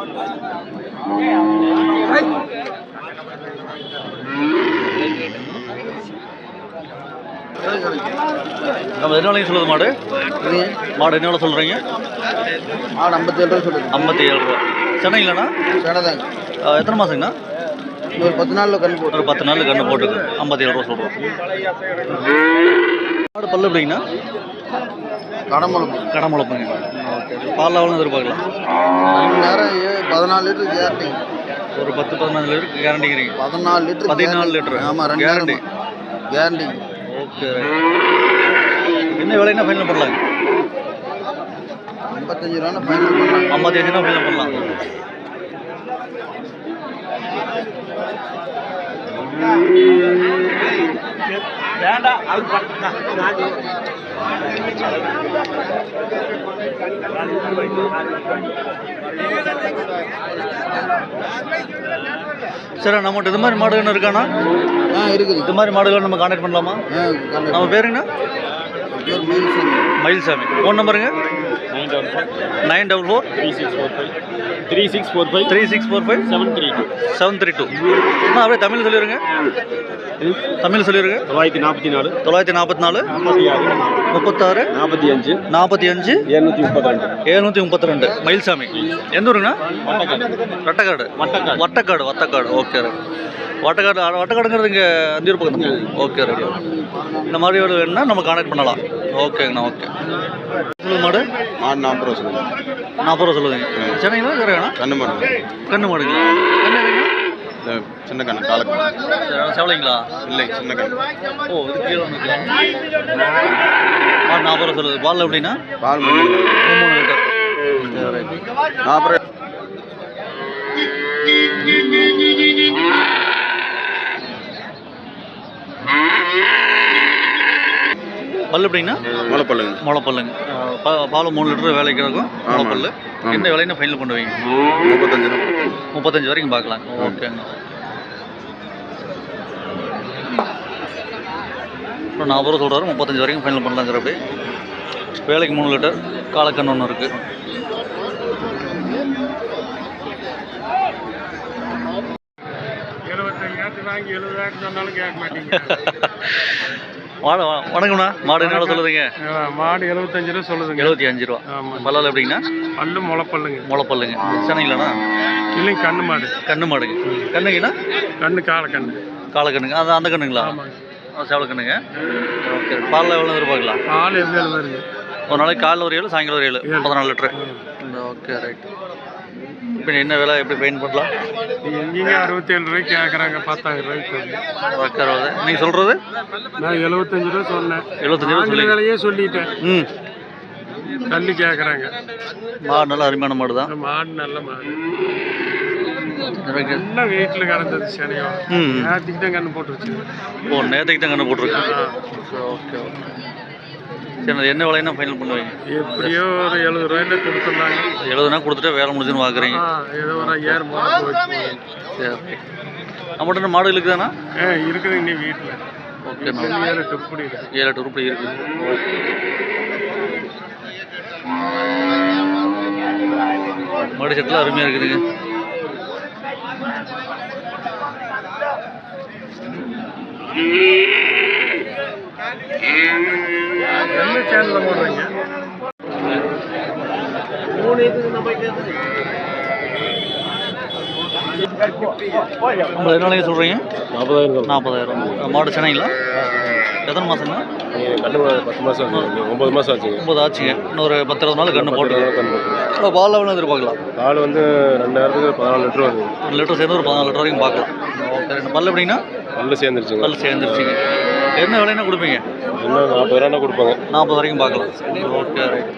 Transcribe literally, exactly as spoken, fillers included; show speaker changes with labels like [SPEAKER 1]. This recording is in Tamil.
[SPEAKER 1] நம்ம என்ன விலைக்கு சொல்லுது மாடு? மாடு என்ன விலை சொல்கிறீங்க?
[SPEAKER 2] மாடு ஐம்பத்தி ஏழு ரூபா சொல்லுது.
[SPEAKER 1] ஐம்பத்தி ஏழு ரூபா. சென்னைங்களாண்ணா?
[SPEAKER 2] சென்னை தாங்க.
[SPEAKER 1] எத்தனை மாதங்கண்ணா?
[SPEAKER 2] ஒரு பத்து நாளில் கன்று போட்டு
[SPEAKER 1] ஒரு பத்து நாள் கன்று போட்டுருக்கு. ஐம்பத்தி ஏழு ரூபா சொல்கிறோம். மாடு பல்லு எப்படிங்கண்ணா?
[SPEAKER 2] கடமுளப்பு.
[SPEAKER 1] கடமுளப்புங்க. ஓகே. பால் எவ்வளோ எதிர்பார்க்கலாம்?
[SPEAKER 2] ரெண்டு நேரம் பதினாலு லிட்டர் கேரண்டி.
[SPEAKER 1] ஒரு பத்து பதினாலு லிட்டர் கேரண்டிங்கிறீங்க?
[SPEAKER 2] பதினாலு லிட்டர்
[SPEAKER 1] பதினாலு லிட்டர்.
[SPEAKER 2] ஆமாம், ரெண்டு கேரண்டி கேரண்டி.
[SPEAKER 1] ஓகே. என்ன விலைன்னா ஃபைனல் பண்ணலாங்க?
[SPEAKER 2] ஐம்பத்தஞ்சு ரூபா ஃபைனல் பண்ணலாம்.
[SPEAKER 1] ஐம்பத்தஞ்சு ரூபா ஃபைனல் பண்ணலாம்.
[SPEAKER 3] வேண்டாம்.
[SPEAKER 1] சரி, நம்மகிட்ட இது மாதிரி மாடுகள் இருக்காண்ணா?
[SPEAKER 2] ஆ இருக்குது.
[SPEAKER 1] இது மாதிரி மாடுகள் நம்ம கான்டாக்ட் பண்ணலாமா? நம்ம பேருங்கண்ணா? மயில்சாமி. ஃபோன் நம்பருங்க?
[SPEAKER 3] Nine double four
[SPEAKER 1] nine double four
[SPEAKER 3] three six four five three six four five
[SPEAKER 1] three six four five
[SPEAKER 3] seven three two
[SPEAKER 1] seven three two. அண்ணா அப்படியே தமிழ் சொல்லிடுங்க. தமிழ் சொல்லிடுங்க.
[SPEAKER 3] தொள்ளாயிரத்தி நாற்பத்தி நாலு
[SPEAKER 1] தொள்ளாயிரத்தி நாற்பத்தி நாலு
[SPEAKER 3] ஐம்பத்தி ஆறு
[SPEAKER 1] முப்பத்தாறு
[SPEAKER 3] நாற்பத்தி அஞ்சு
[SPEAKER 1] நாற்பத்தி அஞ்சு
[SPEAKER 3] எழுநூற்றி முப்பத்தி ரெண்டு
[SPEAKER 1] எழுநூற்றி முப்பத்தி ரெண்டு. மயில்சாமி. எந்த ஊருங்கண்ணா?
[SPEAKER 3] வட்டக்காடு.
[SPEAKER 1] வட்டக்காடு.
[SPEAKER 3] வட்டக்காடு
[SPEAKER 1] வட்டக்காடு வட்டக்காடு ஓகே. வட்டக்காடு வட்டக்காடுங்கிறது இங்கே அந்தியூர் பக்கம் தான். Okay ready. இந்த மாதிரி ஒரு வேணுன்னா நம்ம கான்டாக்ட் பண்ணலாம். ஓகேங்கண்ணா. ஓகே. சொல்லுங்க மாடு.
[SPEAKER 2] மாடு நாற்பது ரூபா சொல்லுங்க.
[SPEAKER 1] நாற்பது ரூபா சொல்லுதுங்க. சென்னைங்களா வேறேண்ணா?
[SPEAKER 2] கண்ணு மாடு.
[SPEAKER 1] கண்ணு மாடுங்களா? கண்ணு எதுங்க?
[SPEAKER 2] சின்ன கண்ணு காலக்கண்ணு.
[SPEAKER 1] செவலைங்களா?
[SPEAKER 2] இல்லை, சின்ன கண்ணு.
[SPEAKER 1] ஓ, இது கீழே வந்துருக்கலாம். மாடு நாற்பது ரூபா சொல்லுது. பால் எப்படின்னா?
[SPEAKER 2] பால் மூணு
[SPEAKER 1] மூணு லிட்டர்.
[SPEAKER 2] நாற்பது.
[SPEAKER 1] பல்லு எப்படின்னா?
[SPEAKER 2] முளைப்பல்லுங்க.
[SPEAKER 1] முளைப்பல்லுங்க. பால் மூணு லிட்டர் வேலைக்கு இருக்கும். முளைப்பல்லு. எந்த விலைன்னு ஃபைனல் பண்ணுவீங்க?
[SPEAKER 2] முப்பத்தஞ்சு
[SPEAKER 1] முப்பத்தஞ்சு வரைக்கும் பார்க்கலாம். ஓகேங்க. அப்புறம் நாற்பது ரூபா சொல்கிறாரு. முப்பத்தஞ்சு வரைக்கும் ஃபைனல் பண்ணலாங்கிறப்ப வேலைக்கு மூணு லிட்டர். காலக்கண்ணு ஒன்று இருக்குது.
[SPEAKER 3] வாங்கி எழுபதாயிரம் சொன்னாலும் கேட்க மாட்டீங்க.
[SPEAKER 1] மாடு வணக்கம்ண்ணா. மாடு என்ன சொல்லுதுங்க?
[SPEAKER 3] மாடு எழுபத்தஞ்சு ரூபா சொல்லுதுங்க.
[SPEAKER 1] எழுபத்தி அஞ்சு ரூபா. பல்லால் எப்படிங்கண்ணா?
[SPEAKER 3] பல்லு முளைப்பல்லுங்க.
[SPEAKER 1] முளைப்பல்லுங்க. சென்னைங்களாண்ணா?
[SPEAKER 3] இல்லைங்க, கண்ணு மாடு.
[SPEAKER 1] கண்ணு மாடுங்க. கண்ணுங்கண்ணா?
[SPEAKER 3] கண்ணு காலக்கண்ணு.
[SPEAKER 1] காலக்கண்ணுங்க. அது அந்த கண்ணுங்களா? சேவலக்கண்ணுங்க. ஓகே. பாலில் எவ்வளோ எதிர்பார்க்கலாம்?
[SPEAKER 3] பால் எவ்வளோ வருது?
[SPEAKER 1] ஒரு நாளைக்கு காலையில் ஒரு ஏழு, சாயங்காலம் ஒரு ஏழு, பதினாலு லிட்டரு. Okay right. இப்போ என்ன விலை எப்படி ஃபைன் பண்ணலாம்?
[SPEAKER 3] எங்கேங்க அறுபத்தி ஏழு ரூபாய்க்கு கேட்குறாங்க. பத்தாயிரம் ரூபாய்க்கு.
[SPEAKER 1] ஓகே. நீங்கள் சொல்கிறது?
[SPEAKER 3] நான் எழுபத்தஞ்சு ரூபா சொன்னேன்.
[SPEAKER 1] எழுபத்தஞ்சு ரூபா சொல்லி
[SPEAKER 3] விலையே சொல்லிட்டேன்.
[SPEAKER 1] ம்.
[SPEAKER 3] தள்ளி கேட்குறாங்க.
[SPEAKER 1] மாடு நல்ல அருமையான மாடு தான்.
[SPEAKER 3] மாடு நல்ல மாடு. நல்ல வீட்டில் கறந்தது. சனியோ
[SPEAKER 1] ம்.
[SPEAKER 3] நேற்றுக்கு தான் கண்ணு போட்டுருச்சு.
[SPEAKER 1] ஓ, நேற்றுக்கு தான் கண்ணு போட்டிருக்கு. Okay okay. சரி, என்ன விலைன்னா ஃபைனல் பண்ணுவீங்க?
[SPEAKER 3] எப்படியோ ஒரு எழுபது ரூபாயில கொடுத்துருந்தாங்க.
[SPEAKER 1] எழுபதுனா கொடுத்துட்டு வேலை முடிஞ்சுன்னு பார்க்குறீங்க.
[SPEAKER 3] ஏதோ ஒரு ஐயாயிரம் போச்சு.
[SPEAKER 1] சரி. நம்மகிட்ட மாடு இருக்குதாண்ணா?
[SPEAKER 3] ஆ இருக்குது இன்னும் வீட்டில்.
[SPEAKER 1] ஓகே.
[SPEAKER 3] ஏழு எட்டு உருப்படி இருக்குது.
[SPEAKER 1] ஏழு எட்டு உருப்படி இருக்குது. மாடு செட்டில் அருமையாக இருக்குதுங்க.
[SPEAKER 3] என்ன சேனலில் போடுறீங்க?
[SPEAKER 1] நம்ம என்ன விலைக்கு சொல்கிறீங்க?
[SPEAKER 3] நாற்பதாயிரம்.
[SPEAKER 1] நாற்பதாயிரம். மாடு சென்னைங்களா? எத்தனை மாதங்க?
[SPEAKER 3] கண்ணு பத்து மாதம் ஆச்சு. ஒம்பது மாதம் ஆச்சுங்க.
[SPEAKER 1] ஒம்பது ஆச்சுங்க. இன்னொரு பத்து இருபது நாள் கண்ணு போட்டு பால் எவ்வளோ எதிர்பார்க்கலாம்?
[SPEAKER 3] பால் வந்து ரெண்டு நேரத்துக்கு பதினாலு லிட்டர் வருது.
[SPEAKER 1] ரெண்டு லிட்டர் சேர்ந்து ஒரு பதினாலு லிட்டர் வரைக்கும் பார்க்கலாம். ஓகே. ரெண்டு பல் எப்படின்னா?
[SPEAKER 3] பல்லு சேர்ந்துருச்சுங்க.
[SPEAKER 1] பல் சேர்ந்துருச்சுங்க. என்ன விலைன்னா கொடுப்பீங்க?
[SPEAKER 3] இன்னும் நாற்பது ரூபா கொடுப்பாங்க.
[SPEAKER 1] நாற்பது வரைக்கும் பார்க்கலாம். Okay right.